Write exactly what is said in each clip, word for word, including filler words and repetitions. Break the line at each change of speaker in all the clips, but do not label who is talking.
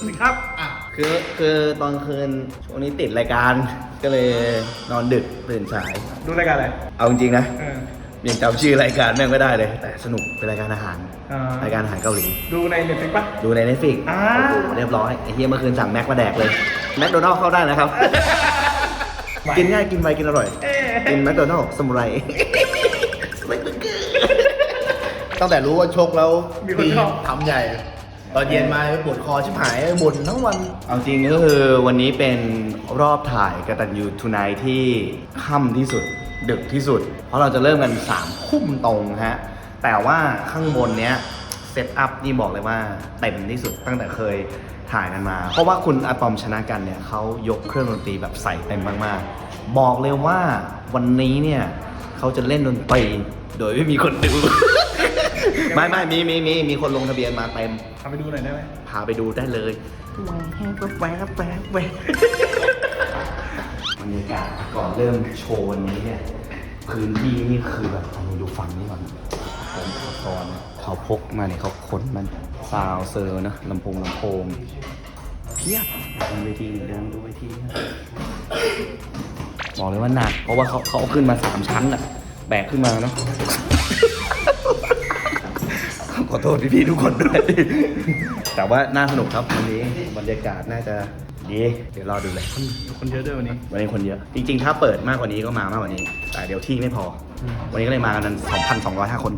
วัสดีครับอ่ะ
คือคือตอนคืนช่วงนี้ติดรายการก็เลยนอนดึกตื่นสาย
ดูรายการอะไร
เอาจริงๆนะ
เออ
ยังจำชื่อรายการแม่งไม่ได้เลยแต่สนุกเป็นรายการอาหาร
อ่าร
ายการอาหารเกาหลี
ดูในเน็ตฟลิกปะ
ดูใน Netflix
อ่า
โอ้โหเรียบร้อยไอ้เฮียเมื่อคืนสั่งแม็กมาแดกเลยแมคโดนัลด์เข้าได้นะครับ กินง่ายกินไวกินอร่อย
เอ๊ะ
กินแมคโดนัลด์สมุไรสมุไรเบอร์เกอร์ตั้งแต่รู้ว่าชกแล้ว
มีคนชอบ
ทำใหญ่ ตอนเย็นมาปวดคอชิบหายบ่นทั้งวันเอาจริงก็คือวันนี้เป็นรอบถ่ายกตัญญูทูไนท์ที่ค่ำที่สุดดึกที่สุด เพราะเราจะเริ่มกันสามทุ่มตรงฮะแต่ว่าข้างบนเนี้ยเซตอัพนี่บอกเลยว่าเต็มที่สุดตั้งแต่เคยถ่ายกันมา เพราะว่าคุณอะตอมชนะกันเนี่ยเขายกเครื่องดนตรีแบบใส่เต็มมากๆบอกเลยว่าวันนี้เนี่ยเขาจะเล่นดนตรีโดยไม่มีคนดู ไม่ไม่มีมีมีมีคนลงทะเบียนมาเต็ม
ทำไปดูหน่อยได้ไหม
พาไปดูได้เลยแหวกแหวกแหวกแหวกบรรยากาศก่อนเริ่มโชว์วันนี้เนี่ยพื้นที่นี่คือแบบลองดูฟังนี่ก่อนผมอุปกรณ์เขาพกมาเนี่ยเขาขนมันซาวเซอร์นะลำโพงลำโพงเพียบเดินเวทีเดินดูเวทีบอกเลยว่าหนักเพราะว่าเขาเขาเอาขึ้นมาสามชั้นอะแบกขึ้นมาเนาะ ขอโทษพี่ๆทุกคนด้วย แต่ว่าน่าสนุกครับวันนี้บรรยากาศน่าจะดีเดี๋ยวรอดูเลย
คนเยอะด้วยวันนี้
วันนี้คนเยอะ จริงๆ ถ้าเปิดมากกว่านี้ก็มามากกว่านี้ แต่เดี๋ยวที่ไม่พอ วันนี้ก็เลยมากัน สองพันสองร้อยห้า คน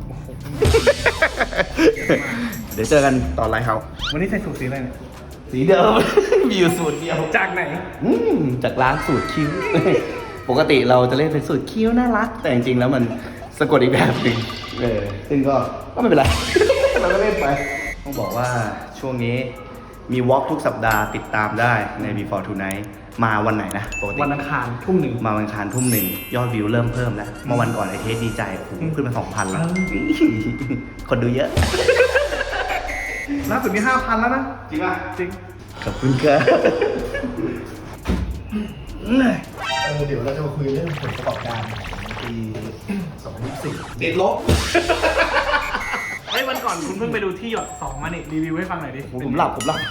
เดี๋ยวเจอกันตอนไลฟ์เฮาส์
วันนี้ใส่สูทสีอะไรเนี่ย
สีเดิม มีอยู่สูตรเดียว
จากไหน
อืมจากร้านสูตรคิ้ว ปกติเราจะเล่นเป็นสูตรคิ้วน่ารัก แต่จริงๆ แล้วมันสะกดอีกแบบหนึ่งเออซึ่งก็ก็ไม่เป็นไร เราก็เล่นไป ต้องบอกว่าช่วงนี้มีวอล์กทุกสัปดาห์ติดตามได้ใน Before Tonight มาวันไหนนะปกติ
วันอังคารทุ่มหนึ่ง
มาวันอังคารทุ่มหนึ่งยอดวิวเริ่มเพิ่มแล้วเมื่อวันก่อนไอเทสดีใจโอ้โหขึ้นมาสองพันแล้ว คนดูเยอะ
ล่าสุดมีห้าพันแล้วนะ
จริงป่ะ
จริง
ขอบคุณครับ
เออเดี๋ยวเราจะมาคุยเรื่องผลประกอบการของปีสองพันยี่สิบสี่
ติดลบ
เฮ้ยวันก่อนคุณเพิ่งไปดูที่หยดสองมานี่รีวิวให้ฟังหน่อยดิ
ผมหลับผมหลับ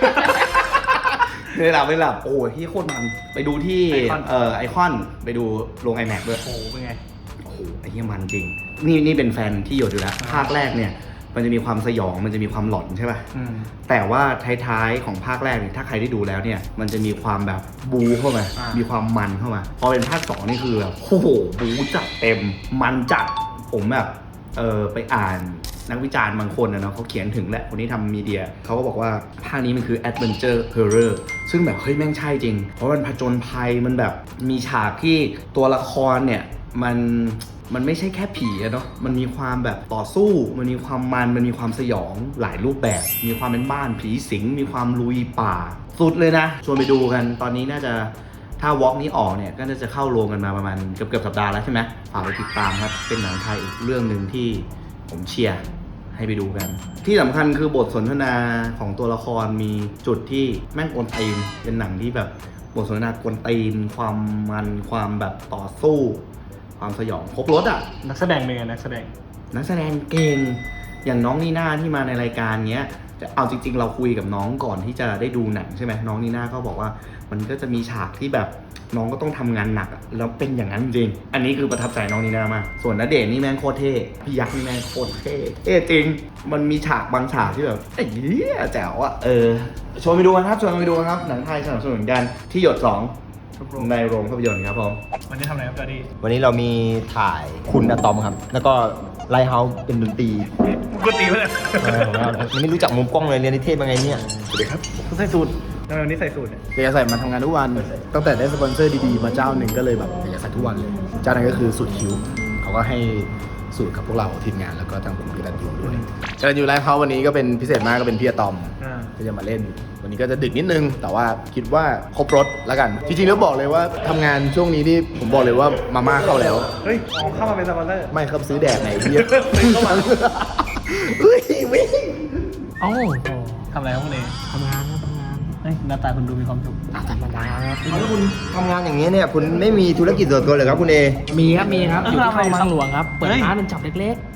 ไม่หลับไม่หลับโอ้ยที่โคตรมันไปดูที่เอ่อไอคอนไปดูโรง iMac ด้วย
โอ้โหเป็นไง
โอ้โหไอ้เหี้ยมันจริง นี่นี่เป็นแฟนที่หยดอยู่แล้ว ภาคแรกเนี่ย มันจะมีความสยองมันจะมีความหลอนใช่ป่ะ
อืม
แต่ว่าท้ายๆของภาคแรกเนี่ยถ้าใครได้ดูแล้วเนี่ย มันจะมีความแบบบูเข้ามา
อ่ามี
มีความมันเข้ามา พอเป็นภาคสองนี่คือแบบโอ้โหบูจัดเต็ม มันจัดผมแบบเออไปอ่านนักวิจารณ์บางคนนะเนาะเขาเขียนถึงแหละคนที่ทำมีเดียเขาก็บอกว่าภาคนี้มันคือ Adventure Horror ซึ่งแบบเฮ้ยแม่งใช่จริง เพราะมันผจญภัยมันแบบมีฉากที่ตัวละครเนี่ยมันมันไม่ใช่แค่ผีอะเนาะมันมีความแบบต่อสู้มันมีความมันมันมีความสยองหลายรูปแบบ มีความเป็นบ้านผีสิงมีความลุยป่าสุดเลยนะชวนไปดูกันตอนนี้น่าจะถ้าวอล์กนี้ออกเนี่ยก็น่าจะเข้าโรงกันมาประมาณเกือบเกือบสัปดาห์แล้วใช่ไหมฝากไปติดตามครับเป็นหนังไทยอีกเรื่องหนึ่งที่ผมเชียร์ให้ไปดูกัน ที่สำคัญคือบทสนทนาของตัวละครมีจุดที่แม่งกวนตีนเป็นหนังที่แบบบทสนทนากวนตีนความมันความแบบต่อสู้ความสยองครบรถอ่ะ
นักแสดงเป็นไงนักแสดง
นักแสดงเก่งอย่างน้องนีน่าที่มาในรายการเนี้ยแต่เอาจริงๆ เราคุยกับน้องก่อนที่จะได้ดูหนังใช่ไหมน้องนีน่าก็บอกว่ามันก็จะมีฉากที่แบบน้องก็ต้องทำงานหนักอะแล้วเป็นอย่างนั้นจริงอันนี้คือประทับใจน้องนีน่ามากส่วนณเดชน์นี่แม่งโคตรเท่พี่ยักษ์นี่แม่งโคตรเท่เท่จริงมันมีฉากบางฉากที่แบบไอ้เหี้ยแจ๋วอะเออชวนไปดูกันครับชวนไปดูกันครับหนังไทยสนับสนุนกันที่หยดสองในโรงภาพยนตร์ครับผม
วันนี้ทำอะไรครับจอร์ดี้
วันนี้เรามีถ่ายคุณอะตอมครับ แล้วก็ไลท์เฮาส์เป็นดนตรี
กูตีไปเลย
เออผมว่ายังไม่รู้จักมุมกล้องเลยเรียนนิเทศมาไงเนี่ย สวัสดีครับ
กูใส่สูททำไมวันนี้ใส่สูทเนี่ย
เดี๋ยวใส่มาทำงานทุกวัน ตั้งแต่ได้สปอนเซอร์ดีๆ มาเจ้าหนึ่งก็เลยแบบอยากใส่ทุกวันเลย เจ้านั้นก็คือสูตรคิวเขาก็ให้สูตรกับพวกเราทีมงานแล้วก็ทางคุณกตันยูด้วยกตันยูไลท์เฮาส์วันนี้ก็เป็นพิเศษมากก็เป็นพี่อะตอม
อ่า
ก็จะมาเล่น วันนี้ก็จะดึกนิดนึง แต่ว่าคิดว่าครบรถแล้วกัน จริงๆแล้วบอกเลยว่าทำงานช่วงนี้ที่ผมบอกเลยว่ามาม่าเข้าแล้ว
เฮ้ยเอาเข้ามาเป็นสปอนเซอร์
ไม่ครับซื้อแดดไหนพี่
ซื้อเข้ามา
เฮ้ยวิ่ง
เอ้าทำอะไรครับคุณเอ
ทำงานครับทำงาน
เฮ้ยหน้าตาคุณดูมีความสุข
อ่ะธรรมดาครับแล้วคุณทำงานอย่างนี้เนี่ยคุณไม่มีธุรกิจส่วนตัวเลยครับคุณเอ
มีครับ มีครับ อยู่ที่คลองบางหลวงครับ เปิด
เฮ้ย
ร้านเป็นจับเล็ก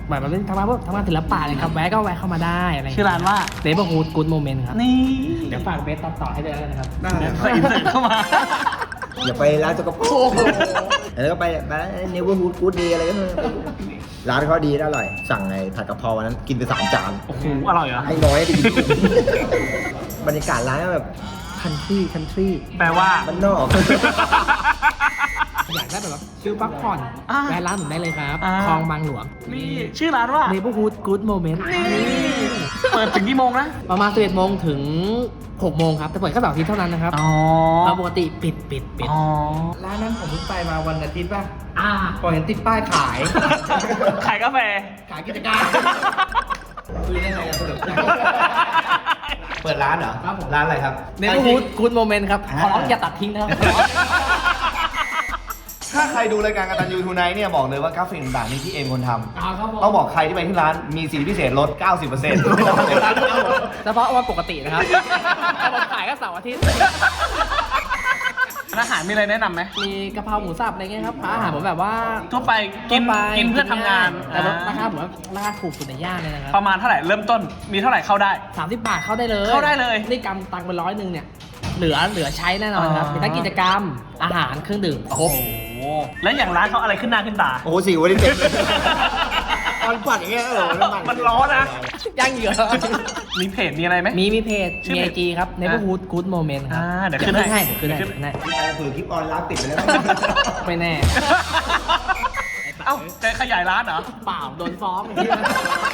แบบมันเป็นทำงานพวกทำงานศิลปะเลยครับแวะก็แวะเข้ามาได้อะไร
ชื่อร้านว่า
เนเบอร์ฮูดกู๊ดโมเมนต์ครับ
นี่
เดี๋ยวฝากเบสตัดต่อให้ด้วยแล้วกันนะครับ
ได้ก็อินเสิร์ตเข้ามา
อย่าไปร้านสกปรกแล้วก็ไปร้านเนเวอร์ฮูดกู๊ดดีอะไรก็ไม่ร้านเขาดีและอร่อย สั่งไงผัดกะเพราวันนั้นกินไปสามจาน
โอ้โหอร่อยเหรอ
ให้น้อยไปกินบรรยากาศร้านแบบคันทรีคันทรี
แปลว่า
มันนอก
อยากได้แบบว่าฟิลพักผ่อน
อ่า
แวะร้านผมได้เลยครับ
อ่า
คลองบางหลวง
นี่ชื่อร้านว่า
เนเบอร์ฮูดกู๊ดโมเมนต์
เปิดถึงกี่โมงนะ
ประมาณสิบเอ็ดโมงถึงหกโมงครับแต่เปิดแค่เสาร์อาทิตย์เท่านั้นนะครับ
อ๋อ
เราปกติปิดปิดปิด
อ๋อ
ร้านนั้นผมเพิ่งไปมาวันอาทิตย์ป่ะอ่าพอเห็นติดป้ายขาย
ขายกาแฟ
ขายกิจการคุยได้ไงอะสรุป
เปิดร้านเหรอ
ครับผม
ร้านอะไรครับ
เนเบอร์ฮูดกู๊ดโมเมนต์ครับ ขอร้องอย่าตัดทิ้งนะครับ
ถ้าใครดูรายการกตัญญูทูไนท์เนี่ยบอกเลยว่ากราฟิกต่างๆนี่ที่เอ็มคนทำ
เอาครับผม
ต้องบอกใครที่ไปที่ร้านมีสิทธิพิเศษลด เก้าสิบเปอร์เซ็นต์
เฉพาะวันปกตินะครับแต่ผมขายแค่เสาร์อาทิตย์
อาหารมีอะไรแนะนำไหม
มีกะเพราหมูสับอะไรเงี้ยครับอาหารผมแบบว่า
ทั่วไปกิน
ทั่วไป
กินเพื่อทำงาน
แต่ว่า
อ่า
ราคาผมว่าราคาถูกสุดในย่านเลยนะครับ
ประมาณเท่าไหร่เริ่มต้นมีเท่าไหร่เข้าได้
สามสิบบาทเข้าได้เลย
เข้าได้เลย
นี่กำตังค์ไปร้อยหนึ่งเนี่ย เหลือเหลือใช้แน่นอนครับ
อ่ามี
มีทั้งกิจกรรมอาหารเครื่องดื่มครบ
โอ้โหแล้วอย่างร้านเขาอะไรขึ้นหน้าขึ้นตา
โอ้โหสิววันนี้เต็มเลยตอนปัดอย่างเงี้ยเออน้ำมัน
มันร้อนนะ
ย่างเหยื่อ
มีเพจมีอะไรไหม
มีมีเพจ
ชื่อ
มี
เพ
ไอ
จ
จีครับ Neighborhood Good Moment ครับ
อ่าเดี๋ยวขึ้นให้
ให้เดี๋ยวขึ้นให้เดี๋ยวขึ้นให้
เผื่อคลิปออนไลน์ปิดไปแล้ว
ไม่แน่
เอ้าจะขยายร้านเหรอ
เปล่าโดนฟ้องอย่างนี้นะ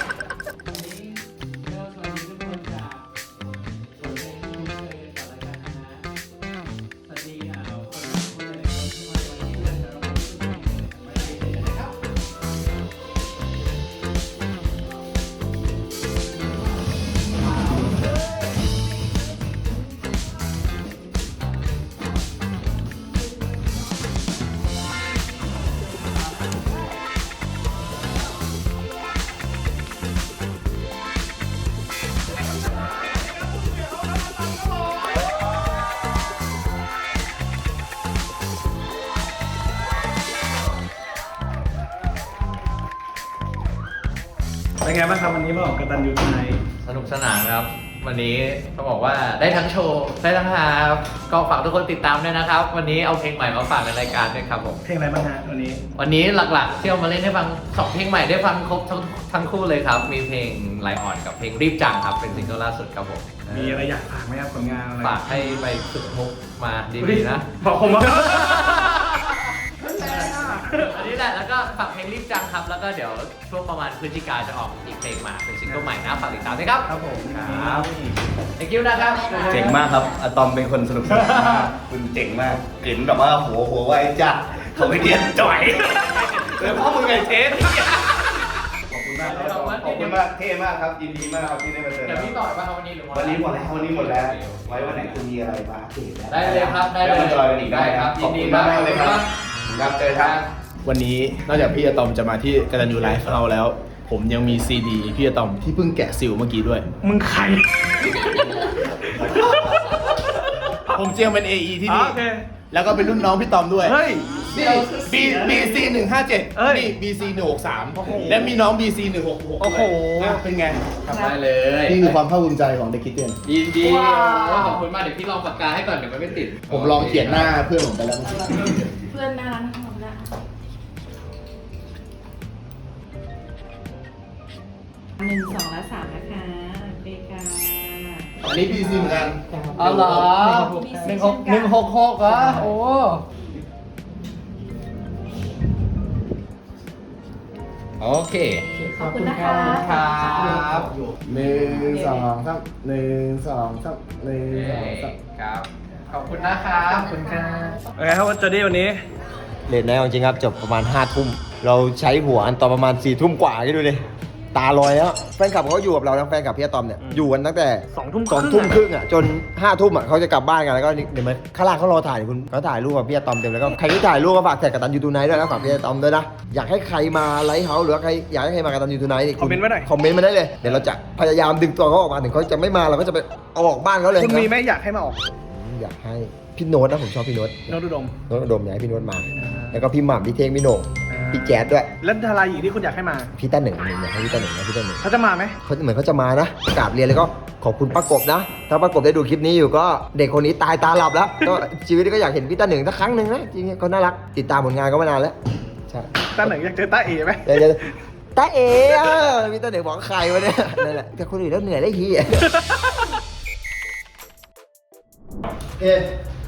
เป็นไงบ้างครับวันนี้มาออกกตัญญูทูไนท์
สนุกสนานครับ วันนี้ต้องบอกว่าได้ทั้งโชว์ได้ทั้งฮาครับก็ฝากทุกคนติดตามด้วยนะครับ วันนี้เอาเพลงใหม่มาฝากในรายการด้วยครับผม
เพลงอะไรบ้างฮะวันนี้
วันนี้หลักๆที่เอามาเล่นให้ฟังสองเพลงใหม่ได้ฟังครบทั้งทั้งคู่เลยครับ มีเพลงไลออนกับเพลงรีบจังครับเป็นซิงเกิลล่าสุดครับผม
มีอะไรอยากฝากไหมครับผลงานอะไร
ฝากให้ไปฝึกมุกมาดีๆนะ
บอกผมว่า
อันนี้แหละแล้วก็ฝากเพลงรีบจังครับ แล้วก็เดี๋ยวช่วงประมาณพฤศจิกาจะออกอีกเพลงมาเป็นซิงเกิลใหม่นะฝากติดตามด้วยครับ
ครับผม
ครับ thank you นะครับ
เจ๋งมากครับอะตอมเป็นคนสนุกสนานมากคุณเจ๋งมากเห็นแบบว่าหัวหัวไวจัดเขาไม่เดียนจ่อยเลยพ่อมึงไงเทสขอบคุณมากครับขอบคุณมากเท่มากครับยินดีมากครับที่ได้มาเจอ
เดี๋ยวพี่ต่อยป่ะครับวันนี้หรือ
วันนี้หมดแล้ววันนี้หมดแล้วไว้วันไหนคุณมีอะไรมาอัปเดตนะ
ได้เลยครับได้เลย
มาจอยกันอีกได้ครับ
ยิ
ขอบ
นดี
คุณมากเลยครับ
ครับ
ครับเจอครับ
วันนี้นอกจากพี่อะตอมจะมาที่กตัญญูไลฟ์เราแล้ว ผมยังมีซีดีพี่อะตอมที่เพิ่งแกะซิลเมื่อกี้ด้วย
มึงใคร
ผมเจียงเป็น เอ อี ที่นี่
โอเค
แล้วก็เป็นรุ่นน้องพี่ตอมด้วย
เฮ้ย
นี่ B BC หนึ่งห้าเจ็ด
เอ้ย
นี่ BC หนึ่งหกสามและมีน้อง BC หนึ่งหกหก
โอ้โห
เป็นไง
ได้เลย
นี่คือความภาคภูมิใจของเด็กคิดเตียน
ยินดี
ว้าว
ขอบคุณมากเดี๋ยวพี่ลองปากกาให้ก่อนเดี๋ยวมันไม่ติด
ผมลองเขียนหน้าเพื่อนผมไปแล้ว
เพื่อนน่ารักทั้งหมดนะหนึ่งสองและสามนะคะเบกา
อันนี้ BC เหมือนกัน
อ๋อเหรอหนึ่งหกหนึ่งหกหกเหรอโอ้ โอเค
ขอบคุณนะคะ
ครับ
หนึ่งสองสามหนึ่งสองสามหนึ่งสองสาม
ครับ ขอบคุณนะครับ ขอบคุณครับ
เป็นไงครับวันเจอดี้วันนี้
เลทไนท์เอาจริงครับจบประมาณห้าทุ่มเราใช้หัวอันตอนประมาณสี่ทุ่มกว่าคิดดูดิตาลอยแล้วแฟนคลับเขาอยู่กับเราทั้งแฟนคลับพี่อะตอมเนี่ยอยู่กันตั้งแต่
สองทุ่ม
สองทุ่มครึ่งอ่ะจนห้าทุ่มอ่ะเขาจะกลับบ้านกันแล้วก็นี่เดี๋ยวมันข้างล่างเขารอถ่ายคุณเขาถ่ายรูปกับพี่อะตอมเต็มแล้วก็ใครที่ถ่ายรูปก็ฝากแท็กกับตันยูทูไนท์ด้วยนะฝากพี่อะตอมด้วยนะอยากให้ใครมาไลฟ์เฮาส์หรือว่าใครอยากให้ใครมากับตันยูทูไนท์นี่
คอมเมนต์ไว้หน่อย
คอมเมนต์มาได้เลยเดี๋ยวเราจะพยายามดึงตัวเขาออกมาถึงเขาจะไม่มาเราก็จะไปเอาออกบ้านเขาเลย
คุณมี
นะ
ไหมอยากให้มาออก
อยากให้พี่โน้ตนะผมชอบพี่โน้ต
โนตอุดม
โน้ตอุดมอยากให้พี่โน้ตมา แล้วก็พี่หม่ำพี่เท่งพี่โหน่ง
อ่า
พี่แจ๊ดด้วย
แล้วดาราหญิงที่คุณอยากให้มา
พี่ต้าหนึ่งอยากให้พี่ต้าหนึ่งนะพี่ต้าหนึ่ง
เขาจะมาไหม
เขาเหมือนเขาจะมานะกราบเรียนแล้วก็ขอบคุณป้ากบนะ ถ้าป้ากบได้ดูคลิปนี้อยู่ก็เด็กคนนี้ตายตาหลับแล้ว ก็ชีวิตก็อยากเห็นพี่ต้าหนึ่งสักครั้งหนึ่งนะจริงๆเขาน่ารักติดตามผลงานก็มานานแล้วใช่
ตาหนึ่งอยากเจอตาเอ๋ไหม
เดี๋ยวเดี๋ยวตาเอ๋อะพี่ต้าหนึ่งบอกใครวะเนี่ยนั่นแหละแต่คนอื่นแล้วเหนื่อยได้ทีอะเอ๊ะ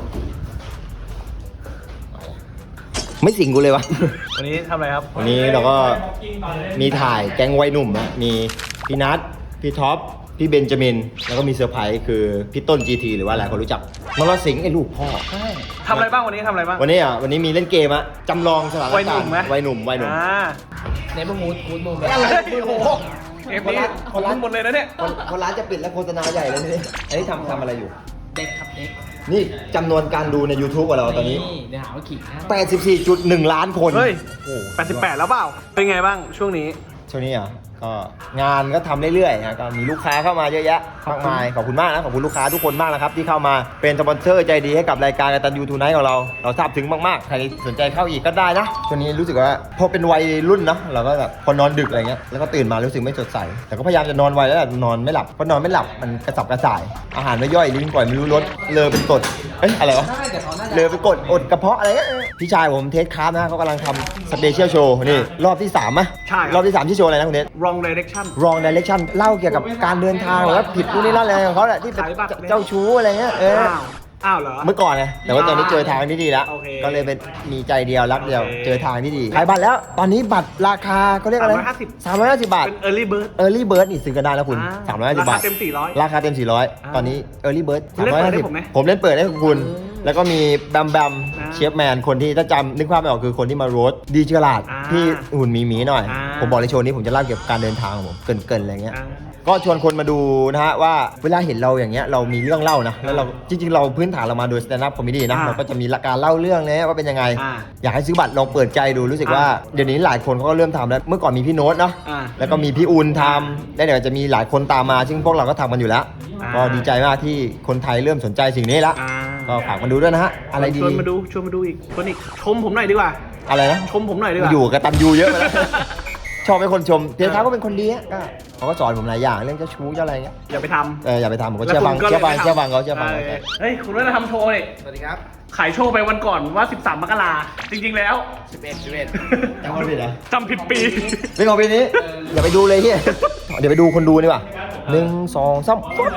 ไม่สิงกูเลยวะ
วันนี้ทำอะไรครับ
วันนี้เราก็มีถ่ายแก๊งวัยหนุ่มนะมีพี่นัทพี่ท็อปพี่เบนจามินแล้วก็มีเซอร์ไพรส์คือพี่ต้น จี ที หรือว่าหลายคนรู้จักนรสิงห์ไอ้ลูกพ่อ
ทำอะไรบ้างวันนี้ทำอะไรบ้าง
วันนี้อ่ะวันนี้มีเล่นเกมอะจำลองสถาน
วัยหนุ่
การ
ม
ณ์
ไหม
วัยหนุ่มวัยหนุ่ม
อ่า
ในพวกมูดมูดมูด
อะไร
โอ้โหเกมนี้คนรันหมดเลยนะเนี่ย
คนคนร้านจะปิดแล้วโฆษณาใหญ่เลยนี่อันนี้ทำทำอะไรอยู่
เด็กครับเด็ก
นี่จำนวนการดูใน YouTube ของเราตอนนี้
เดี๋ยวหาว่าขิงนะ
แปดสิบสี่จุดหนึ่ง ล้านคน
เฮ้ย
โอ้โห
แปดสิบแปดแล้วเปล่า เป็นไงบ้างช่วงนี้
ช่วงนี้อ่ะก็งานก็ทำเรื่อยๆนะก็มีลูกค้าเข้ามาเยอะแยะมากมายขอบคุณมากนะขอบคุณลูกค้าทุกคนมากนะครับที่เข้ามาเป็นสปอนเซอร์ใจดีให้กับรายการกตัญญูทูไนท์ของเราเราซาบถึงมากๆใครสนใจเข้าอีกก็ได้นะช่วงนี้รู้สึกว่าพอเป็นวัยรุ่นเนาะเราก็แบบพอนอนดึกอะไรเงี้ยแล้วก็ตื่นมารู้สึกไม่สดใสแต่ก็พยายามจะนอนไวแล้วแต่นอนไม่หลับเพราะนอนไม่หลับมันกระสับกระส่ายอาหารไม่ย่อยลิ้นก่อยไม่รู้รสเลอเป็นกรดเอ้ยอะไรวะ เลอไปกดอดกระเพาะอะไรเงี้ยพี่ชายผมเทสคราฟนะเขากำลังทำสเปเชียลโชว์นี่รอบที่สามอะ
ใช่ครับ
รอบที่สามที่โชว์อะไรนะคุณเนท
wrong direction
wrong direction เล่าเกี่ยวกับการเดินทางหรือว่าผิดนู่นนี่นั่นอะไรของเขาแหละที่เป็น
ขายบัตร
เจ้าชู้อะไรเงี้ยเออ
อ้าว อ้าวเหรอ
เมื่อก่อนไงแต่ว่าตอนนี้เจอทางที่ดีแล้ว
โอเค
ก็เลยเป็นมีใจเดียวรักเดียว
โอเค
เจอทางที่ดีขายบัตรแล้วตอนนี้บัตรราคาเขาเรียกอะไร
สามร้อยห้าสิบ
สามร้อยห้าสิบบาท
เป็น early bird
early bird นี่ซื้อกันได้แล้วคุณ
อ่า
สามร้อยห้าสิบบาท
ราคาเต็มสี่ร้อย
ราคาเต็มสี่ร้อย
อ่า
ตอนนี้ early bird
คุณเล่นเปิดให้ผมไหม
ผมเล่นเปิดให้คุณ แล้วก็มีแบมแบม
อ่า
เชฟแมนคนที่ถ้าจำนึกภาพไม่ออกคือคนที่มาโรสดีเจอราด
อ่า
ที่หุ่นหมีหมีๆหน่อย
อ่า
ผมบอกในโชว์นี้ผมจะเล่าเกี่ยวกับการเดินทางของผมเกรินๆอะไรเงี้ย
อ่า
ก็ชวนคนมาดูนะฮะว่าเวลาเห็นเราอย่างเงี้ยเรามีเรื่องเล่านะแล้วเราจริงๆ เราพื้นฐานเรามาโดย stand up comedy นะ
อ่า
เราก็จะมีการเล่าเรื่องเนี้ยว่าเป็นยังไง
อ่า
อยากให้ซื้อบัตรลองเปิดใจดูรู้สึกว่า
อ่า
เดี๋ยวนี้หลายคนเขาก็เริ่มทำแล้วเมื่อก่อนมีพี่โน้ตเนาะ
อ่า
แล้วก็มีพี่อุนทำแล้วเดี๋ยวจะมีหลายคนตามมา ซึ่งพวกเราก็ทำกันอยู่แล้ว
อ่า
ก็ดีใจมากที่คนไทยเริ่มสนใจสิ่งนี้ละ
อ่า
ก็ฝากมาดูด้วยนะฮะอะไรดี
ชวนมาดูชวนมาดูอีกชวนอีกชมผมหน่อยดีกว่า
อะไรนะ
ชมผมหน่อยดีกว่า
อยู่กับตันยูเยอะไปแล้ว ชอบเป็นคนชมเพียงท้าก็เป็นคนดีอะก็เขาก็สอนผมหลายอย่างเรื่องเจ้าชู้เจ้าอะไรเงี้ย
อย่าไปทำ
เอออย่าไปทำผมก็เชื่อฟัง
แล้วคุณก็
เชื่อฟัง
ลยไม่ทำ
เชื่อฟังเขาเชื่อฟังเขา
เออเฮ้ย คุณว่าจะทำโชว์นี่
สวัสดีครับ
ขายโชว์ไปวันก่อนว่า สิบสาม มกราจริง ๆ แล้ว
สิบเอ็ด สิบเอ็ด
จำคนผิดเหรอ
จำผิดปี
เป็นของปีนี้ อย่าไปดูเลยเฮียเดี๋ยวไปดูคนดูดีกว่าหนึ่งสองสาม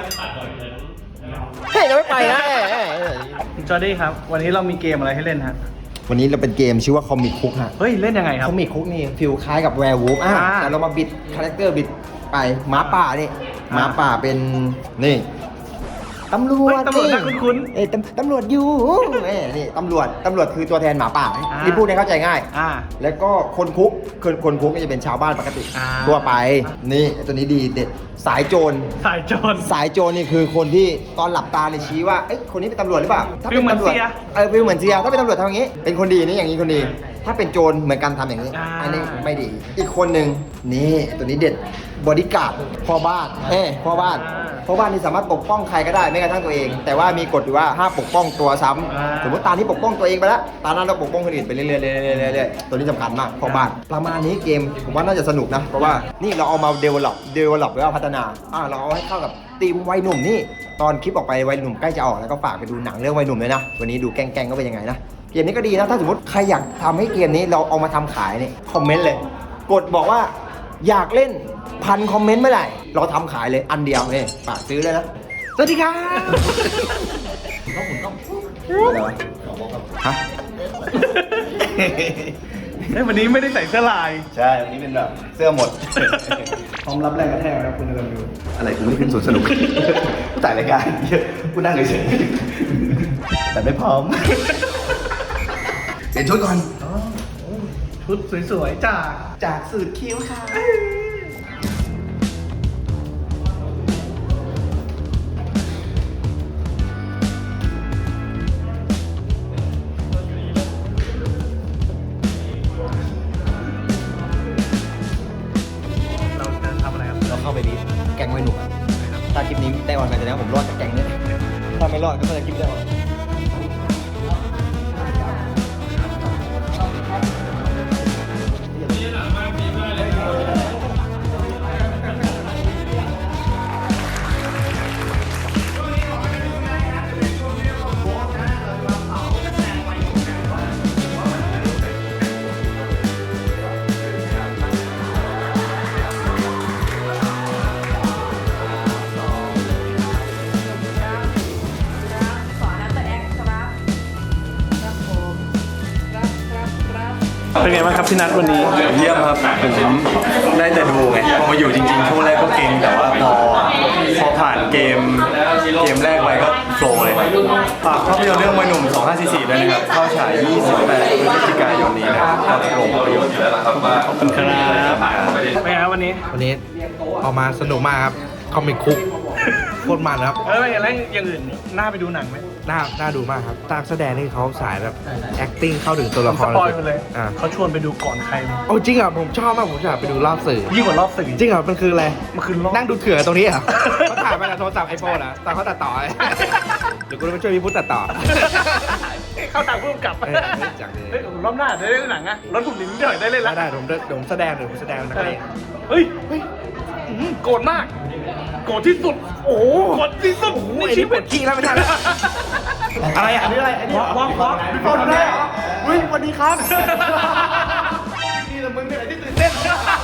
เฮ้ยยังไม่ไปนะเอ้ยเอ้ยเอ้ย
จอร์ดี้ครับ วันนี้เรามีเกมอะไรให้เล่นฮะ
วันนี้เราเป็นเกมชื่อว่าคอมิกคุกฮะ
เฮ้ย เล่นยังไงครับ
คอมิกคุกนี่ฟิลคล้ายกับแวร์วูฟอ่ะ
อ่า
แต่เรามาบิดคาแรคเตอร์บิดไปหมาป่านี่
อ่า
หมาป่าเป็นนี่ตำรวจ
เฮ้ยตำรวจน่าคุ้นๆ
เอ้ยตำตำรวจอยู่เอ้ยนี่ตำรวจตำรวจคือตัวแทนหมาป่า
อ่า
ที่พูดให้เข้าใจง่าย
อ่า
แล้วก็คนคุกคนคนคุกก็จะเป็นชาวบ้านปกติ
อ่า
ทั่วไปนี่ไอ้ตัวนี้ดีเด็ดสายโจร
สายโจร
สายโจรนี่คือคนที่ตอนหลับตาเนี่ยชี้ว่าเอ้ยคนนี้เป็นตำรวจหรือเปล่าถ้าเป็น
ฟิลเหมือน
ตำรวจ
เสีย
เออฟิลเหมือนเสียถ้าเป็นตำรวจทำอย่างนี้ เป็นคนดีนี่อย่างนี้คนดี ถ้าเป็นโจรเหมือนกันทำอย่างนี้
อ่า
อันนี้ไม่ดี อีกคนหนึ่งนี่ตัวนี้เด็ดบอดี้การ์ดพ่อบ้านเอ้ยพ่อบ้านพ่อบ้านนี่สามารถปกป้องใครก็ได้ไม่กระทั่งตัวเอง แต่ว่ามีกฎอยู่ว่าห้ามปกป้องตัวซ้ำสมมติตาที่ปกป้องตัวเองไปแล้วตานั้นเราปกป้องคนอื่นไปเรื่อยๆเรื่อยๆเรื่อยๆตัวนี้สำคัญมากพ่อบ้านประมาณนี้เกมผมว่าน่าจะสนุกนะเพราะว่านี่เราเอามา develop develop หรือว่าพัฒนาอ่าเราเอาให้เข้ากับทีมวัยหนุ่มนี่ตอนคลิปออกไปวัยหนุ่มใกล้จะออกแล้วก็ฝากไปดูหนังเรื่องวัยหนุ่มเลยนะวันนี้ดูแกล้งๆก็เป็นยังไงนะเกมนี้ก็ดีนะถ้าสมมติใครอยากทำให้เกมนี้เราเอามาทำขายเนี่ยคอมเมนต์เลย กดบอกว่าอยากเล่นพันคอมเมนต์เมื่อไหร่เราทำขายเลยอันเดียวนี่ฝากซื้อเลยนะสวัสดีครับอะไรวะฮะ
เฮ้ย วันนี้ไม่ได้ใส่เสื้อลาย
ใช่วันนี้เป็นแบบเสื้อหมด
พร้อมรับแรงกระแทกนะคุณกำลังดู
อะไรกูไม่ขึ้นสวนสนุก กูถ่ายรายการกูนั่งเฉยๆแต่ไม่พร้อมเปลี่ยนชุดก่อน
ชุดสวยๆจาก
จากสูตรคิ้วค่ะ
เราจะทำอะไรครับ
เราเข้าไปดีแกงไว้หนุ่มอะถ้าคลิปนี้ได้ออนไปแสดงว่าผมรอดจากแกงนี้ถ้าไม่รอดก็ไม่ได้คลิปได้ออน
เป็นไงบ้างครับพี่นัทวันนี้
เยี่ยมครับผมได้แต่ดูไงพอมาอยู่จริงๆช่วงแรกก็เก่งแต่ว่าพอพอผ่านเกมเกมแรกไปก็โฟล์เลยฝากภาพยนตร์เรื่องวัยหนุ่มสองพันห้าร้อยสี่สิบด้วยนะครับเข้าฉายยี่สิบแปดพฤศจิกายนนี้นะครับเข้าโรงภาพยนตร์แล้วครับว่าขอบคุณครับ
เป็นไงครับวันนี้
วันนี้ออกมาสนุกมากครับคอมิกคุกโคตรมันครับ
เออแล้วอย่างอื่นน่าไปดูหนังไหม
น่าน่าดูมากครับตากแสดงนี่เขาสายแบบ acting เข้าถึงตัวละค
ส
ร
ปอยล์ไปเลย
อ่า
เขาชวนไปดูก่อนใครเลย
โอ้จริงอ่ะผมชอบมากผมอยากไปดูรอบสื่อ
ยิ่งกว่ารอบสื่อ
จริงเหรอมันคืออะไร
มันคือรอบ
นั่งดูเถื่อตรงนี้เหรอ เขาถ่ายมาจากโทรศัพท์ไอโฟนอ่ะตอนเขาตัดต่อ เดี๋ยวกูจะไปช่วยพี่พุทธตัดต่อ
เข้าต่างผู้กำกับ
เออจังเลย
เฮ้ยรอบหน้าได้เล่นหนังอะรถถูกลิ้นเดี๋ยวได้เล่น
ได้
แล้ว
ได้ผมเดี๋ยวผมแสดงเดี๋ยวผมแสดงนัก
เอ
เล
อง เฮ้ยเฮ้ยอื้อหือโกรธมาก โกรธที่สุด โอ้โหโกรธที่สุด
โอ้โห
ใน
ไอ้
ชี
นี่ป
วิ
ว
ต
ดขี้แล้วไม่ทันแล้วอะไรอ่ะอันนี้อะไรอันนี้วอล์กวอล์กพี่ปอนได้เฮ้ยสวัสดีครับนี่ละมึงเป็นอะไรที่ตื่นเต้น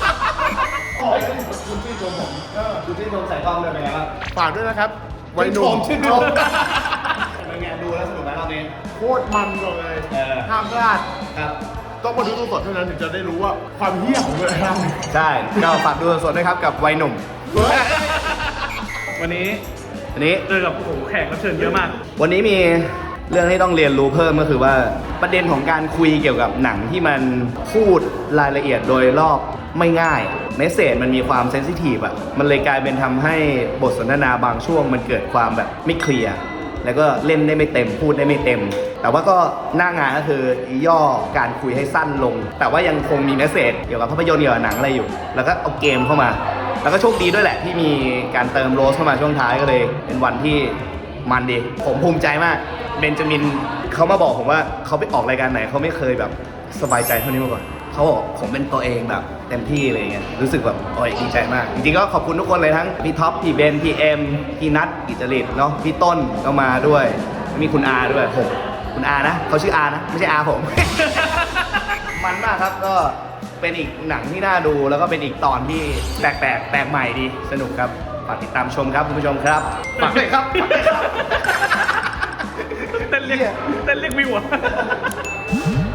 คุณชื่นชมผมคุณชื่นชมสายกล้องเลยเป็นไงบ้างฝากด้วยนะครับวัยหนุ่มชื่นชมเป็นไงดูแล้วสนุกไหมรอบนี้โคตรมันเลยห้ามพลาดครับ
ต้องมาดูสดๆเท่านั้นถึงจะได้รู้ว่าความเหี้ยของเวลา
ใช่ก็ฝากดูสดๆด้วยครับกับวัยหนุ่ม
วันนี้
อันนี้
เจอกับโอ้โหแขกรับเชิญเยอะมาก
วันนี้มีเรื่องที่ต้องเรียนรู้เพิ่มก็คือว่าประเด็นของการคุยเกี่ยวกับหนังที่มันพูดรายละเอียดโดยรอบไม่ง่ายเมสเซจมันมีความเซนซิทีฟอะมันเลยกลายเป็นทำให้บทสนทนาบางช่วงมันเกิดความแบบไม่เคลียร์แล้วก็เล่นได้ไม่เต็มพูดได้ไม่เต็ม แต่ว่าก็หน้างานก็คือย่อการคุยให้สั้นลง แต่ว่ายังคงมีเมสเซจเกี่ยวกับภาพยนตร์เกี่ยวกับหนังอะไรอยู่ แล้วก็เอาเกมเข้ามา แล้วก็โชคดีด้วยแหละที่มีการเติมโรสเข้ามาช่วงท้ายก็เลย เป็นวันที่มันดี ผมภูมิใจมากเบนจามินเขามาบอกผมว่าเขาไปออกรายการไหนเขาไม่เคยแบบสบายใจเท่านี้มาก่อนเขาบอกผมเป็นตัวเองแบบเต็มที่อะไรเงี้ยรู้สึกแบบโอ้ยดีใจมากจริงๆก็ขอบคุณทุกคนเลยทั้งพี่ท็อปพี่เบนพี่เอ็มพี่นัทกิจจริตเนาะพี่ต้นก็มาด้วยมีคุณอาด้วยผมคุณอานะเขาชื่ออานะไม่ใช่อาผม มันมากครับก็เป็นอีกหนังที่น่าดูแล้วก็เป็นอีกตอนที่แปลกๆแปลกใหม่ดีสนุกครับฝากติดตามชมครับคุณผู้ชมครับฝากเลยครับฝากเลยครับ
เต้นเรียกเต้นเรียกวิวอะ